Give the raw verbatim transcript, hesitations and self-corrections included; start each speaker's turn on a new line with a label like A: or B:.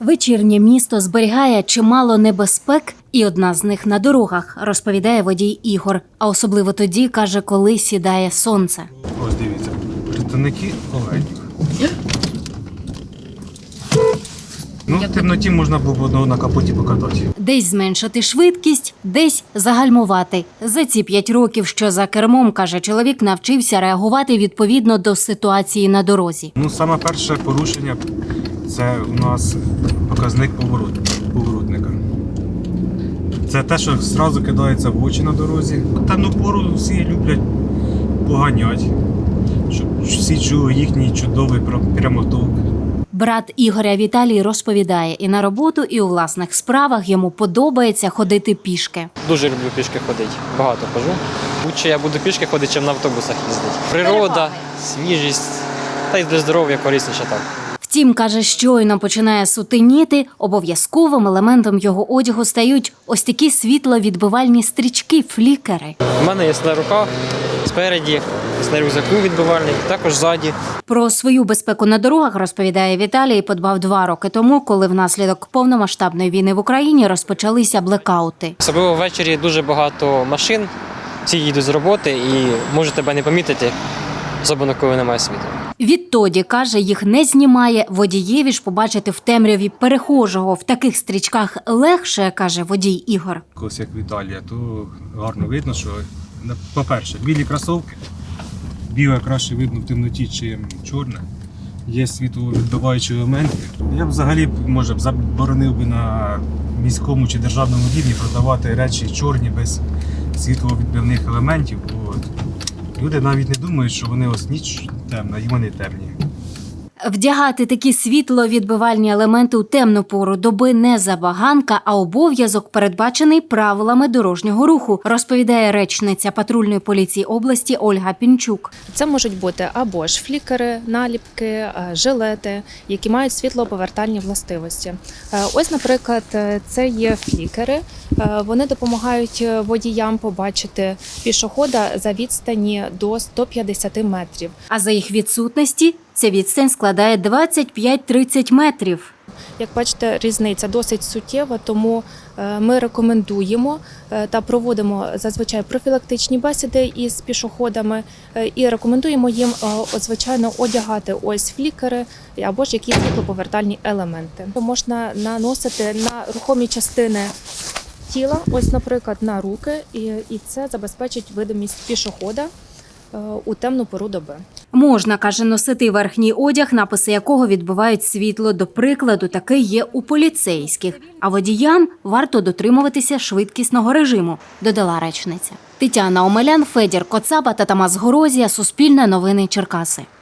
A: Вечірнє місто зберігає чимало небезпек, і одна з них на дорогах, розповідає водій Ігор. А особливо тоді, каже, коли сідає сонце.
B: Ось дивіться, представники оленів. Ну, в темноті можна було б одного на капоті покатати.
A: Десь зменшити швидкість, десь загальмувати. За ці п'ять років, що за кермом, каже чоловік, навчився реагувати відповідно до ситуації на дорозі.
B: Ну, саме перше порушення – це у нас показник поворот, поворотника. Це те, що одразу кидається в очі на дорозі. Темну пору всі люблять поганяти, щоб всі чули їхній чудовий прямоток.
A: Брат Ігоря Віталій розповідає, і на роботу, і у власних справах йому подобається ходити пішки.
C: Дуже люблю пішки ходити, багато хожу. Лучше я буду пішки ходити, чим на автобусах їздити. Природа, свіжість, та й для здоров'я корисніше так.
A: Втім, каже, щойно починає сутеніти, обов'язковим елементом його одягу стають ось такі світловідбивальні стрічки, флікери.
C: У мене є на руках, спереді, є на рюкзаку відбивальний, також ззаді.
A: Про свою безпеку на дорогах, розповідає Віталій, подбав два роки тому, коли внаслідок повномасштабної війни в Україні розпочалися блекаути.
C: Особливо ввечері дуже багато машин, всі їдуть з роботи і можуть тебе не помітити, особливо коли немає світла.
A: Відтоді, каже, їх не знімає. Водієві ж побачити в темряві перехожого в таких стрічках легше, каже водій Ігор.
B: Ось як Віталія, то гарно видно, що, по-перше, білі кросівки, біле краще видно в темноті, чим чорне. Є світловідбиваючі елементи. Я б взагалі, може, заборонив би на міському чи державному рівні продавати речі чорні без світловідбивних елементів. Бо люди навіть не думають, що вони ось ніч темна, і вони темні.
A: Вдягати такі світловідбивальні елементи у темну пору доби не забаганка, а обов'язок, передбачений правилами дорожнього руху, розповідає речниця патрульної поліції області Ольга Пінчук.
D: Це можуть бути або ж флікери, наліпки, жилети, які мають світлоповертальні властивості. Ось, наприклад, це є флікери. Вони допомагають водіям побачити пішохода за відстані до ста п'ятдесяти метрів.
A: А за їх відсутності ця відстань складає двадцять п'ять - тридцять метрів.
D: Як бачите, різниця досить суттєва, тому ми рекомендуємо та проводимо зазвичай профілактичні бесіди із пішоходами і рекомендуємо їм, звичайно, одягати ось флікери або ж якісь світлоповертальні елементи. Можна наносити на рухомі частини тіла, ось, наприклад, на руки, і, і це забезпечить видимість пішохода у темну пору доби.
A: Можна, каже, носити верхній одяг, написи якого відбивають світло. До прикладу, такий є у поліцейських. А водіям варто дотримуватися швидкісного режиму, додала речниця. Тетяна Омелян, Федір Коцаба та Тамас Горозія. Суспільне новини Черкаси.